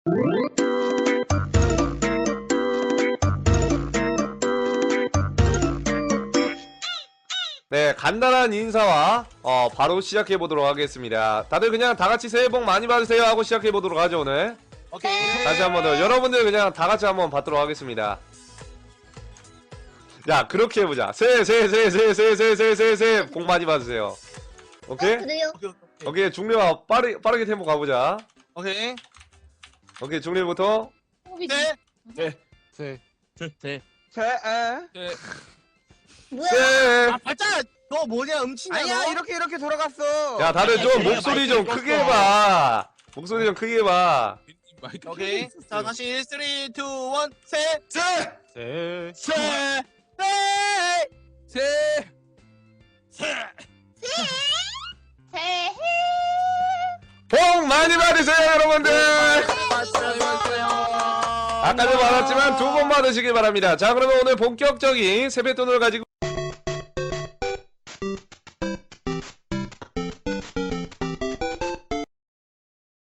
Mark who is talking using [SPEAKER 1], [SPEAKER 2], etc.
[SPEAKER 1] 네, 간단한 인사와 바로 시작해보도록 하겠습니다. 다들 그냥 다같이 새해 복 많이 받으세요 하고 시작해보도록 하죠. 오늘
[SPEAKER 2] 오케이.
[SPEAKER 1] 다시 한 번 더 여러분들 그냥 다같이 한번 받도록 하겠습니다. 야, 그렇게 해보자. 새해 복 많이 받으세요. 오케이?
[SPEAKER 3] 그래요?
[SPEAKER 1] 오케이, 중립아 빠르게 템포 가보자.
[SPEAKER 2] 오케이.
[SPEAKER 1] 오케이, 중립부터.
[SPEAKER 2] 네.
[SPEAKER 3] 뭐야?
[SPEAKER 1] 새해.
[SPEAKER 2] 아 발자. 너 뭐냐 음치냐
[SPEAKER 4] 아니야
[SPEAKER 2] 너?
[SPEAKER 4] 이렇게 돌아갔어.
[SPEAKER 1] 야, 다들 좀
[SPEAKER 2] 그래,
[SPEAKER 1] 목소리 좀
[SPEAKER 2] 마이크
[SPEAKER 1] 크게
[SPEAKER 2] 껐어.
[SPEAKER 1] 해봐. 목소리 좀 크게 해봐.
[SPEAKER 2] 오케이. 자 다시 3, 2, 1, 셋.
[SPEAKER 1] 새해.
[SPEAKER 3] 새해
[SPEAKER 1] 복 많이 받으세요, 여러분들. 아까도 말했지만 두 번 받으시길 바랍니다. 자, 그러면 오늘 본격적인 세뱃돈을 가지고